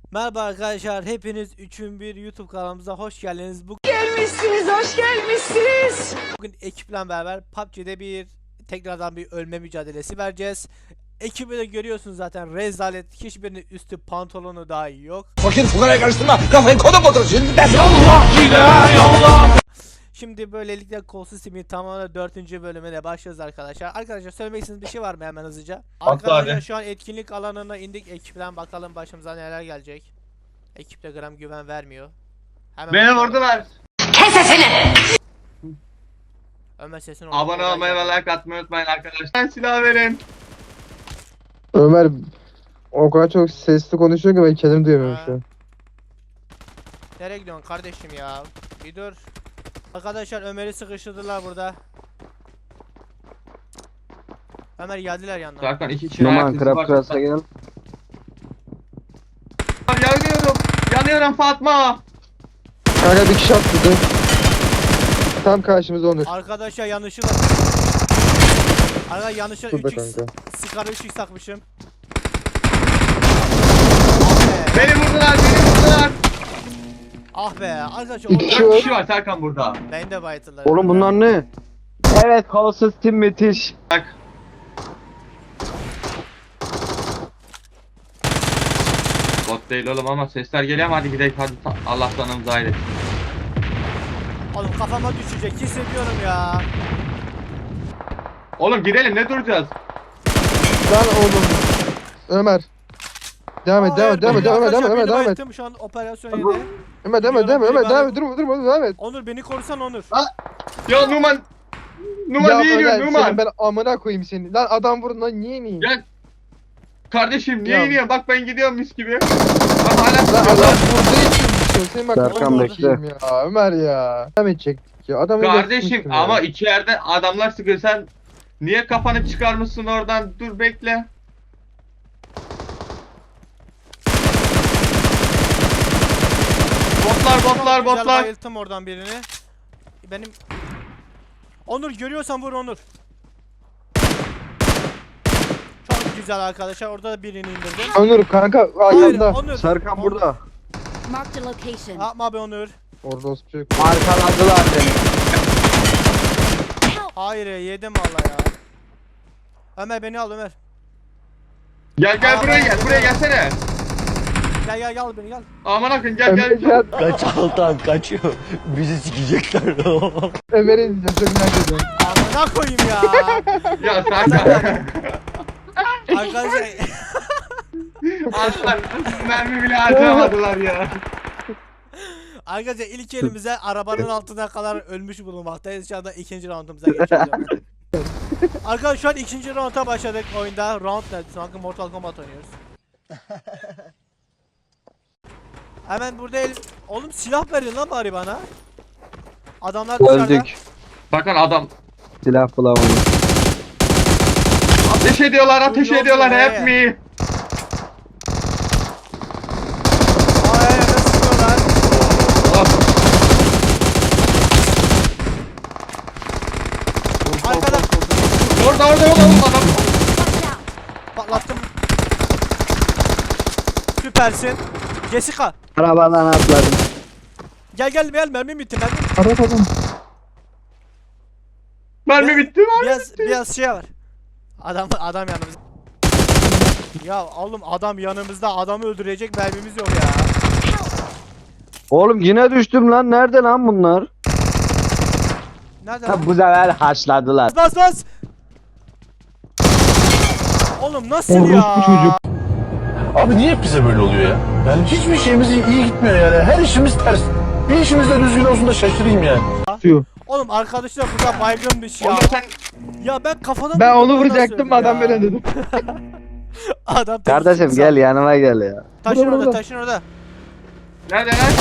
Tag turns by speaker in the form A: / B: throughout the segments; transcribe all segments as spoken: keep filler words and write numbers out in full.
A: Merhaba arkadaşlar, hepiniz üçün bir YouTube kanalımıza hoş geldiniz. Bugün
B: Gelmişsiniz, hoş gelmişsiniz.
A: Bugün ekiple beraber P U B G'de bir tekrardan bir ölme mücadelesi vereceğiz. Ekibi de görüyorsunuz zaten, rezalet, hiçbirinin üstü pantolonu dahi yok.
C: Fakir fukaraya karıştırma, kafayı koda koda şimdi dersin. Allah Allah.
A: Şimdi böylelikle kolsuz simin tamamen dördüncü bölümüne başlıyoruz arkadaşlar. Arkadaşlar söylemek istediğiniz bir şey var mı hemen hızlıca? Arkadaşlar
D: abi.
A: şu an etkinlik alanına indik, ekipten bakalım başımıza neler gelecek. Ekipte gram güven vermiyor. Hemen
D: Beni
A: bakalım.
D: vurdular.
B: Kes sesini.
A: Ömer sesini
D: Abone olmayı ve like atmayı unutmayın arkadaşlar. Silah verin.
E: Ömer o kadar çok sesli konuşuyor ki ben kendimi duyamıyorum
A: Ha.
E: şu an.
A: Nereye gidiyorsun kardeşim ya? Bir dur. Arkadaşlar Ömer'i sıkıştırdılar burada. Ömer geldiler yanına.
D: Zaten iki kişi
E: Numan
D: ayak
E: krap
D: izi
E: krasa
D: var.
E: gel.
D: Yanıyorum. Yanıyorum Fatma.
E: Kanka bir kişi atladı. Tam karşımızda Onur.
A: Arkadaşlar yanlışlıkla. Arkadaşlar yanlışlıkla
E: Şurada
A: üç x
E: kanka.
A: sigara üç x takmışım.
D: Beni vurdular. Beni vurdular.
A: Ah be arkadaşlar
E: İki
A: orada
E: var.
D: Dört kişi var Serkan burada.
A: ben de bayıldılar.
E: Oğlum bunlar ne?
F: Evet, kolsuz tim müthiş.
D: Bak. Bot değil oğlum ama sesler geliyor ama hadi gidelim hadi. Ta- Allah sanımızı ayrı.
A: Oğlum kafama düşecek hissediyorum ya.
D: Oğlum gidelim ne duracağız?
E: Lan oğlum. Ömer. Devam et, devam et, devam et, devam et, devam et,
A: Arkadaşlar,
E: devam et.
A: bayılttım, şu an operasyon yedi.
E: Ömer, devam et, devam et, Ömer, devam et, durma, durma, devam et.
A: Onur beni korusan Onur.
D: Ya Numan. Numan
E: Ya
D: niye
E: Ömer,
D: iniyorsun Numan?
E: senin ben amına koyayım seni. Lan adam vurun lan, niye ineyim?
D: Gel. Kardeşim niye
E: Ya.
D: iniyorsun? Bak ben gidiyorum mis gibi. Bak hala
E: Lan
D: tutuyor
E: adam
D: lan.
E: vurduğu için düşüyor. Senin bak
F: Serkan
E: amına
F: bekle.
E: koyayım ya, Ömer ya. Devam edecektik ya. Adamı
D: Kardeşim
E: geçmiştim ya.
D: ama iki yerde adamlar sıkıyor sen niye kafanı çıkarmışsın oradan dur bekle. Botlar botlar
A: Güzel
D: botlar.
A: bayılttım oradan birini. Benim Onur görüyorsan vur Onur. Çok güzel arkadaşlar, orada da birini indirdim.
E: Onur kanka
A: Hayır
E: ayağında.
A: Onur.
F: Serkan
A: Onur.
F: burada.
G: Marked a location.
A: Yapma be Onur.
E: Orada olsun çocuk.
F: Arkaladılar beni.
A: Hayır ya, yedim valla ya. Ömer beni al Ömer.
D: Gel gel
A: Aa,
D: buraya
A: ben-
D: gel buraya gelsene.
A: Gel gel gel beni gel.
D: Aman akın gel
E: Ömer
D: gel.
E: gel.
C: Kaç Altan kaçıyor. Bizi sikecekler.
E: Ömer'i izleyeceğim, çok merak ediyorum.
A: Amına koyayım ya.
D: Ya Serkan.
A: Arkadaşlar
D: Aslan mermi bile harcamadılar ya.
A: Arkadaşlar ilk elimize arabanın altına kadar ölmüş bulunmaktayız. Şu anda ikinci roundumuza geçiyoruz. Arkadaşlar şu an ikinci rounda başladık oyunda. Round ne? Sanki Mortal Kombat oynuyoruz. Hemen burada el... Oğlum silah verin lan bari bana. Adamlar dışarıda.
F: Öldük.
D: Bakın adam
F: Silah bulamadım.
D: ateş ediyorlar ateş
A: Yok
D: ediyorlar
A: be.
D: hep mi?
A: Ay ay nasıl sıkıyorlar? Arkada
D: Orada orada orada oğlum adam.
A: patlattım. Süpersin. Jessica.
F: Arabadan atladım.
A: Gel gel gel, mermi bitti mermi.
E: Arap adam.
D: Mermi bitti mi?
A: Biraz biraz şey var. Adam adam yanımızda. Ya oğlum adam yanımızda, adamı öldürecek mermimiz yok ya.
F: Oğlum yine düştüm lan. Nerede lan bunlar?
A: Nerede?
F: Ha,
A: lan?
F: bu sefer haşladılar.
A: Bas bas. Oğlum nasıl ya?
E: Orospu çocuk.
C: Abi niye hep bize böyle oluyor ya? Yani hiçbir şeyimiz iyi, iyi gitmiyor yani. Her işimiz ters. Bir işimiz de düzgün olsun da şaşırayım yani.
E: Suyu.
A: Oğlum arkadaşlar burada baygınmış ya.
D: Onda sen
A: Ya ben kafadan
E: Ben
A: vurdum,
E: onu
A: nasıl
E: vuracaktım
A: öldüm
E: adam
A: ya?
E: böyle dedim.
A: Adam
F: Kardeşim gel yanıma gel ya.
A: Taşın
E: Burada,
A: orada,
E: burada.
A: taşın orada.
D: nerede lan?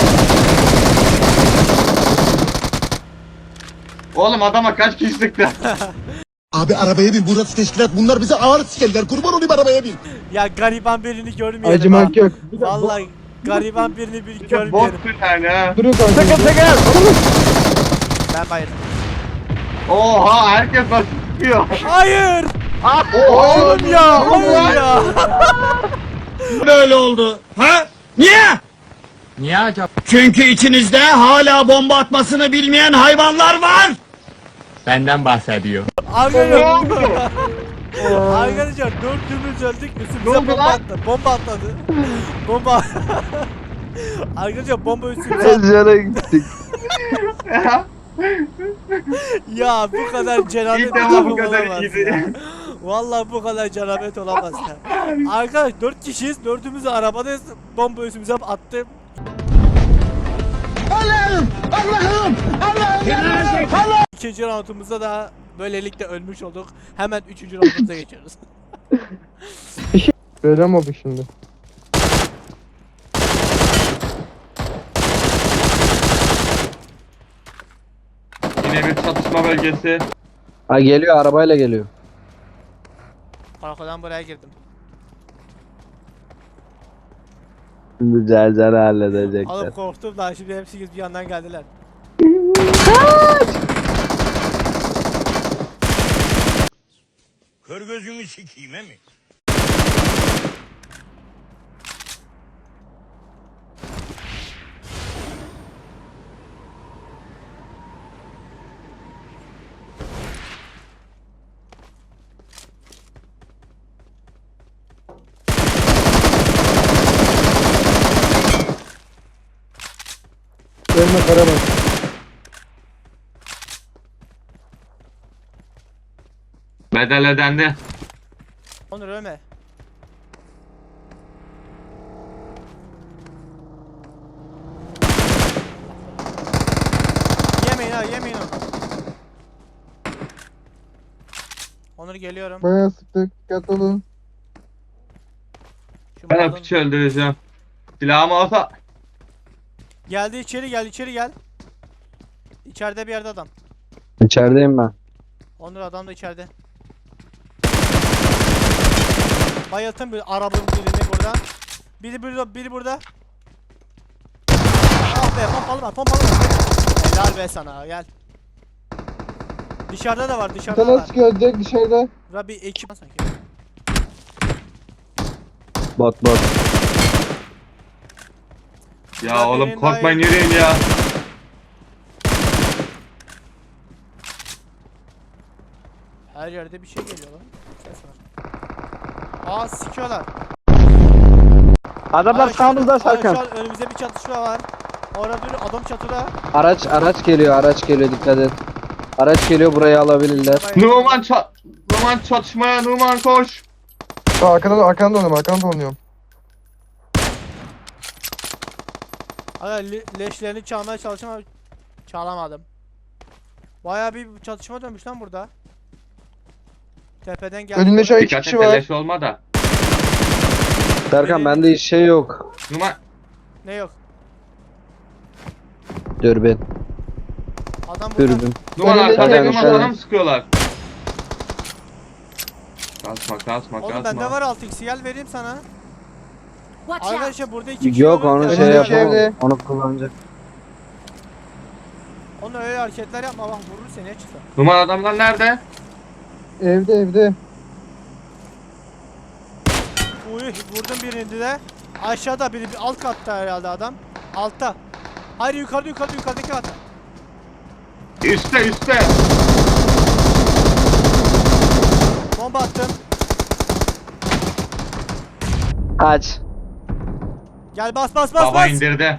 D: Oğlum adama kaç kişi sıktı?
C: Abi arabaya bin, burası teşkilat. Bunlar bize ağır sikerler. Kurban olayım arabaya bin.
A: Ya gariban birini görmeyelim ha.
E: Acımak yok.
A: Vallahi gariban birini bir
D: Bir de
A: görmeyelim.
D: bot bir tane ha.
E: Durun kanka.
F: Sakın sakın.
A: Ben bayıldım.
D: Oha herkes nasıl sıkıyor?
A: Hayır!
D: Oğlum
A: Oğlum ya, hayır ya.
C: Böyle oldu. Ha?
H: Niye? Niye acaba? Çünkü içinizde hala bomba atmasını bilmeyen hayvanlar var. Benden bahsediyor.
A: Arkadaşlar. Arkadaşlar dördümüz öldük. Üstümüze
E: oldu
A: bomba
E: lan?
A: attı. Bomba atladı. Bomba. Arkadaşlar bomba üstümüze attı.
F: Ezcana gittik.
A: Ya bu kadar cenabet
D: İlk defa bu
A: olamaz
D: kadar
A: ya.
D: iyiydi.
A: Vallahi bu kadar cenabet olamaz ya. Arkadaş dört kişiyiz. Dördümüz de arabadayız. Bomba üstümüze attı.
H: Allah'ım! Allah'ım! Allah'ım!
A: İkinci roundumuzda da böylelikle ölmüş olduk. Hemen üçüncü roundumuza geçiyoruz.
E: Verem abi şimdi.
D: Yine bir çatışma bölgesi.
F: Ha geliyor, arabayla geliyor.
A: Arkadan buraya girdim.
F: Şimdi Cercer'i
A: Oğlum
F: halledecekler.
A: korktum da şimdi hepsi bir yandan geldiler.
H: Kör gözünü sikeyim mi?
E: Verme Karaman.
D: Bedel ödendi.
A: Onur ölme. Yemeyin ha yemeyin onu. Onur geliyorum.
E: Bayağı sıktık. Dikkatli olun.
A: Şu
D: Ben
A: malın-
D: o piçi öldüreceğim. Silahım olsa.
A: Geldi içeri gel içeri gel. İçeride bir yerde adam.
F: İçerideyim ben.
A: Onur adam da içeride. Bayılttım bir arabanın birini buradan. Biri burada, biri burada. Ah be pompalı var, pompalı var. Helal be sana, gel. Dışarıda da var, dışarıda da
E: Sana
A: var.
E: sıkıyor direkt dışarıda.
A: Burada bir ekip sanki.
F: Bot bot.
D: Ya
A: Burada
D: oğlum
A: birinin
D: korkmayın
A: daha-
D: yürüyün ya.
A: Her yerde bir şey geliyor lan. Ses var. Aa sikiyorlar.
F: Adamlar
A: Aa, şu an-
F: sağımızda
A: aa,
F: Serkan.
A: Şu an önümüzde bir çatışma var. Orada bir adam çatıda.
F: Araç araç geliyor, araç geliyor, dikkat et. Araç geliyor, burayı alabilirler.
D: Numan ça Numan çatışmaya Numan koş.
E: Aa, arkadan arkadan dolanıyorum arkadan dolanıyorum.
A: Aga le leşlerini çalmaya çalıştım ama çalamadım. Bayağı bir çatışma dönmüş lan burada. Tepeden geldi.
E: Önünde şu an iki
D: Dikkat
E: kişi
D: et
E: var.
D: leş olma da.
F: Serkan bende hiç şey yok.
D: Numan
A: Ne yok?
F: Dürbün.
A: Adam burada.
F: Dürbün.
D: Numan
E: Önünde
D: arkada
F: iki
D: Numan
F: tane
D: sana
F: şey-
D: mı sıkıyorlar? Kasma kasma
A: Oğlum
D: kasma.
A: bende var altı x gel vereyim sana.
G: Watch out!
A: Arkadaşlar burada iki kişi
F: Yok
A: var.
F: onu
A: Önünde
F: şey
E: Önündeki
F: yapamam.
E: evde.
F: Onu kullanacak.
A: Onu öyle hareketler yapma bak vurur seni ya çıksa.
D: Numan adamlar nerede?
E: Evde evde.
A: Uy vurdum birini de. Aşağıda biri bir alt katta herhalde adam. Altta. Hayır yukarıda yukarıda yukarıdaki katta.
D: Üste üste.
A: Bomba attım.
F: Kaç.
A: Gel bas bas bas
D: Baba
A: bas.
D: indirdi.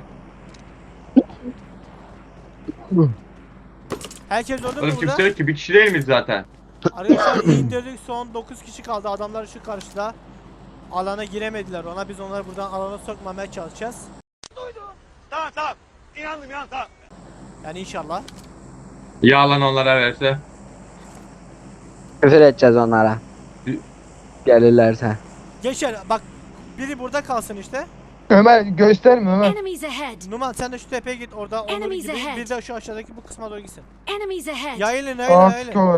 A: Herkes orada mı
D: Oğlum
A: burada?
D: kimse yok ki bir kişi değil miyiz zaten?
A: Arkadaşlar indirdik son dokuz kişi kaldı. Adamlar şu karşıda. Alana giremediler ona. Biz onları buradan alana sokmamaya çalışacağız.
H: Tamam tamam. İnandım ya tamam.
A: Yani inşallah.
D: Ya lan onlara verse.
F: Küfür edeceğiz onlara. Gelirlerse.
A: Geçer bak biri burada kalsın işte.
E: Ömer gösterme Ömer.
G: Enemies ahead!
A: Numan sen de şu tepeye git orada Onur
G: Enemies
A: gibi
G: ahead.
A: bir de şu aşağıdaki bu kısma doğru gitsin.
G: Enemies ahead!
A: Yayılın
E: Aa
A: yayılın yayılın.
E: sıkıyorlar.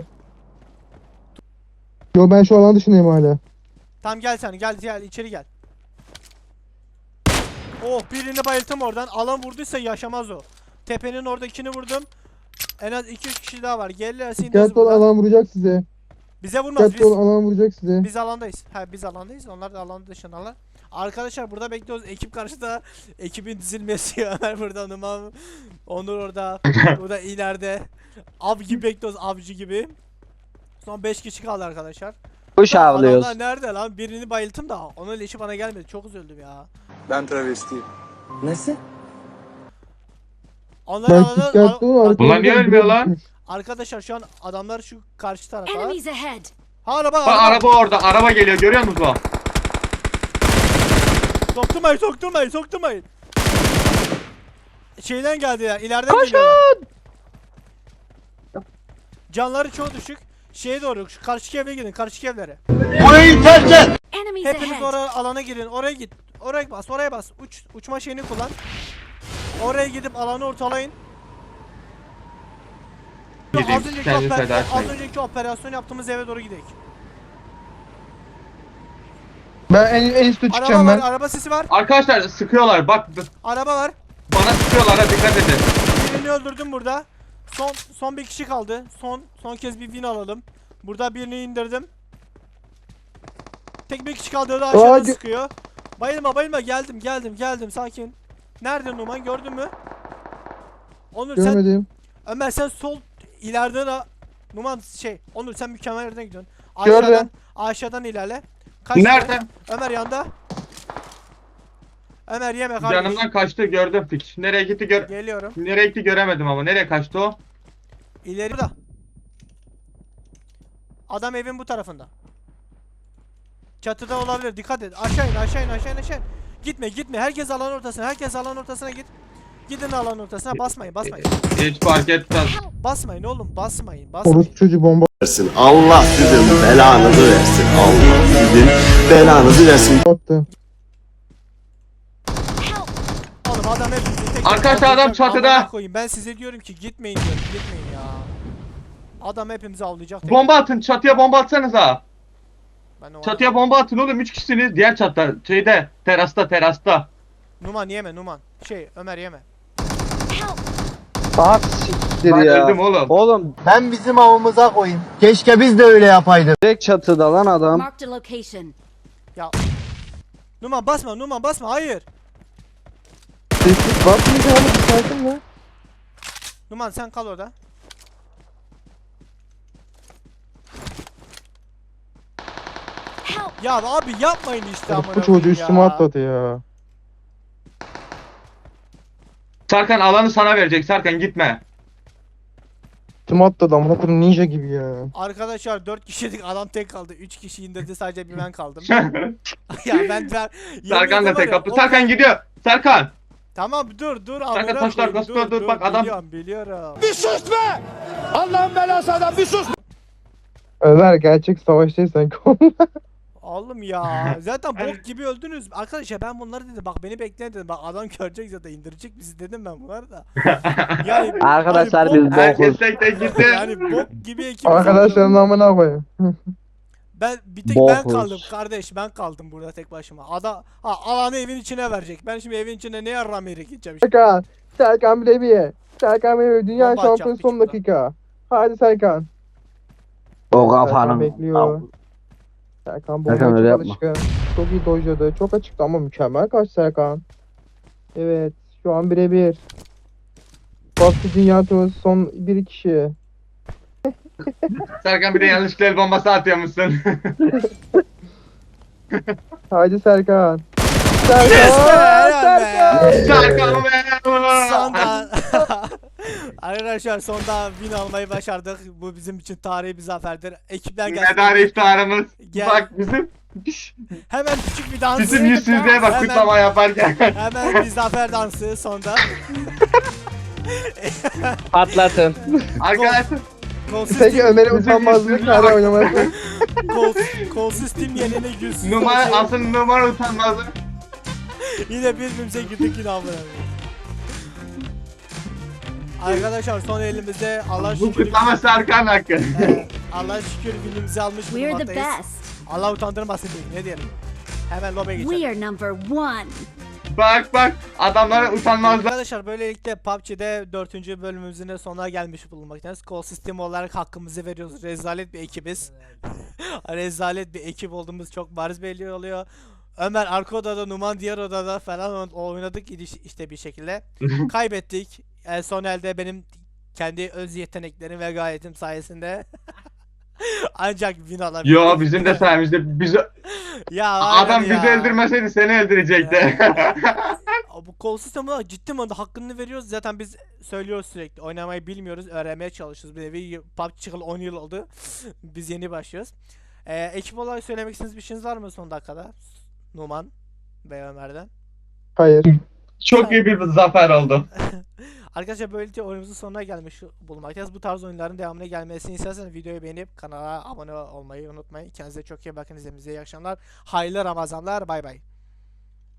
E: Yo ben şu alan dışındayım hala.
A: Tamam gel sen gel gel içeri gel. Oh birini bayılttım oradan. Alan vurduysa yaşamaz o. Tepenin oradakini vurdum. En az iki üç kişi daha var. Gelirlerse indiririz
E: Dikkatli ol
A: buradan.
E: alan vuracak size.
A: Bize vurmaz
E: Dikkatli ol
A: biz.
E: alan vuracak size.
A: Biz alandayız. Ha biz alandayız. Onlar da alan dışındalar. Arkadaşlar burada bekliyoruz. Ekip karşıda. Ekibin dizilmesi. Ömer burada, Numan. Onur orada. Burada ileride. Av gibi bekliyoruz. Avcı gibi. Son beş kişi kaldı arkadaşlar.
F: Kuş avlıyoruz.
A: Adamlar nerede lan? Birini bayılttım da onun leşi bana gelmedi. Çok üzüldüm ya.
I: Ben travestiyim. Nesi?
A: Onlar
E: Ben
A: alana-
E: dikkatli olun.
A: al-
E: arkadan
D: Bunlar niye
E: biri
D: ölmüyor lan?
E: düşmüş.
A: Arkadaşlar şu an adamlar şu karşı tarafa.
G: Enemies ahead.
A: Ha araba
D: Bak
A: araba.
D: araba orada. Araba geliyor. Görüyor musunuz o?
A: Sokturmayın sokturmayın sokturmayın. Şeyden geldiler. İleriden geliyorlar. Canları çok düşük. Şeye doğru şu karşı evlere gidin. Karşı evlere.
G: Enemies
A: Hepiniz
G: ahead.
A: oraya alana girin. Oraya git. Oraya bas. Oraya bas. Uç uçma şeyini kullan. Oraya gidip alanı ortalayın.
D: Gideyim,
A: Az önceki,
D: kendini
A: oper-
D: feda
A: az
D: etmeyin.
A: önceki operasyon yaptığımız eve doğru gidelim.
E: Ben en, en üstte
A: Araba
E: çıkacağım
A: var,
E: ben.
A: araba sesi var.
D: Arkadaşlar sıkıyorlar. Bak
A: Araba var.
D: bana sıkıyorlar. Ha dikkat edin.
A: Birini öldürdüm burada. Son son bir kişi kaldı. Son son kez bir win alalım. Burada birini indirdim. Tek bir kişi kaldı. O da aşağıdan
E: Aa, gö-
A: sıkıyor. Bayılma bayılma, geldim geldim geldim, sakin. Nerede Numan, gördün mü? Onur sen,
E: Görmedim.
A: Ömer sen sol ileriden a- Numan şey Onur sen mükemmel yerden gidiyorsun.
E: Gördüm.
A: Aşağıdan aşağıdan ilerle. Kaç
D: Nerede?
A: Ömer yanda. Ömer yeme kardeş.
D: Canımdan kaçtı gördüm piç. Nereye gitti gör...
A: Geliyorum.
D: Nereye gitti göremedim ama. Nereye kaçtı o?
A: İleri da. Adam evin bu tarafında. Çatıda olabilir. Dikkat et. Aşağı in, aşağı in, aşağı in, aşağı in. Gitme, gitme. Herkes alan ortasına. Herkes alan ortasına git. Gidin alan ortasına. Basmayın, basmayın.
D: Hiç fark etmez.
A: Basmayın oğlum, basmayın, basmayın.
E: Orospu çocuğu bomba
I: Versin. Allah sizin belanızı versin. Allah sizin belanızı versin.
E: attı.
A: Oğlum adam hepinizi tek tek
D: Arkadaşlar adam
A: avlayacak.
D: çatıda.
A: Amına koyayım. Ben size diyorum ki gitmeyin diyorum. Gitmeyin ya. Adam hepimizi avlayacak. tek-
D: Bomba atın. Çatıya bomba atsanıza.
A: Ben o
D: Çatıya bomba atın oğlum. Üç kişisiniz. Diğer çatta. Şeyde. Terasta terasta.
A: Numan yeme, Numan. Şey Ömer yeme.
F: Ah siktir
D: Ben
F: ya.
D: öldüm oğlum.
F: Oğlum
I: Ben bizim avımıza koyayım. Keşke biz de öyle yapaydık.
F: direkt çatıda lan adam.
G: Marked a location.
A: Ya. Numan basma, Numan basma. Hayır.
E: Sessiz basmayacağım abi, sakin ya.
A: Numan sen kal orada.
G: Help.
A: Ya abi yapmayın işte amına
E: Bu çocuğu
A: koyayım
E: üstüme
A: ya.
E: atladı ya.
D: Serkan alanı sana verecek. Serkan gitme.
E: Üstüme atladı amına koyayım, ninja gibi ya.
A: Arkadaşlar dört kişiydik, adam tek kaldı. üç kişi indirdi, sadece bir ben kaldım. ya ben ben
D: Serkan da
A: yemin
D: tek
A: ederim
D: kapı.
A: var ya,
D: Serkan gidiyor. Serkan.
A: Tamam dur dur
D: Serkan
A: amına
D: taşlar
A: koyayım,
D: gaspına dur, bak adam-
A: Biliyorum biliyorum.
E: Ömer gerçek savaştaysan konu.
A: Oğlum ya zaten bok gibi öldünüz. Arkadaşlar ben bunları dedim, bak beni bekleyin dedim. Bak adam görecek zaten, indirecek bizi dedim ben bunları da. Yani
F: Arkadaşlar
A: hani
F: biz
A: bok-
D: Herkes
F: bokuz.
D: tek tek gitti.
A: yani bok gibi ekip.
E: Arkadaşların amına koyayım.
A: Ben bir tek ben
F: Bokuz.
A: kaldım kardeş, ben kaldım burada tek başıma. Ada ha, alanı evin içine verecek. Ben şimdi evin içine ne yarram yere gideceğim işte.
E: Serkan. Serkan Bilebiye. Serkan Bilebiye dünya
A: Bomba atacak
E: şampiyonu
A: bir
E: son
A: çubuğa.
E: dakika. Hadi Serkan.
F: O
E: Serkan
F: kafanın.
E: bekliyor. Serkan bomba
F: Serkan öyle
E: çok
F: yapma.
E: alışkın. Çok iyi dojladı. Çok açıktı ama mükemmel kaç Serkan. Evet. Şu an birebir. Bastı dünya turnuvası son bir kişi.
D: Serkan bir de yanlışlıkla el bombası atıyormuşsun.
E: Haydi Serkan.
A: Yes be,
E: Serkan!
A: helal be.
E: Serkan!
D: Serkan be.
A: Sonda arkadaşlar sonda win almayı başardık. Bu bizim için tarihi bir zaferdir. Ekipler gelsin.
D: Medar iftarımız.
A: Gel.
D: Bak bizim
A: Hemen küçük bir dans.
D: bizim yüzsüzlüğe bak
A: Hemen-
D: kutlama yaparken.
A: Hemen bir zafer dansı sonda.
F: Patlatın.
D: Arkadaşlar
A: Kolsuz
E: Peki
A: tim,
E: Ömer'in utanmazlığı kare oynaması.
A: kol, kolsuz tim yerine yüzsüz.
D: numara
A: şey.
D: asıl numara utanmazlık.
A: Yine birbirimize girdik yine amına koyayım. Arkadaşlar son elimizde Allah
D: Bu
A: şükür
D: kutlama Serkan hakkı.
A: Evet, Allah şükür filmimizi almış
G: We're the
A: bulunmaktayız.
G: best.
A: Allah utandırmasın diyeyim, ne diyelim. Hemen lobe geçelim.
G: We are number one.
D: Bak bak adamlara utanmazlar.
A: Arkadaşlar böylelikle P U B G'de dördüncü bölümümüzün de sonuna gelmiş bulunmaktayız. Kol sistemi olarak hakkımızı veriyoruz. Rezalet bir ekibiz. Rezalet bir ekip olduğumuz çok bariz belli oluyor. Ömer arka odada, Numan diğer odada falan oynadık iş- işte bir şekilde. Kaybettik. En son elde benim kendi öz yeteneklerim ve gayetim sayesinde ancak win alabildik.
D: Yo bizim de sayemizde biz
A: Ya
D: adam
A: aynen
D: bizi
A: ya.
D: öldürmeseydi seni öldürecekti.
A: Bu kolsuz ama ciddi manada hakkını veriyoruz. Zaten biz söylüyoruz sürekli. Oynamayı bilmiyoruz. Öğrenmeye çalışıyoruz. Bir nevi P U B G çıkalı on yıl oldu. Biz yeni başlıyoruz. Ee, ekip olarak söylemek istediğiniz bir şeyiniz var mı son dakikada? Numan ve Ömer'den.
E: Hayır.
D: Çok iyi bir zafer oldu.
A: Arkadaşlar böylece oyunumuzun sonuna gelmiş bulunmaktayız. Bu tarz oyunların devamına gelmesini isterseniz videoyu beğenip kanala abone olmayı unutmayın. Kendinize çok iyi bakın. İzlediğinize iyi akşamlar. Hayırlı Ramazanlar. Bay bay.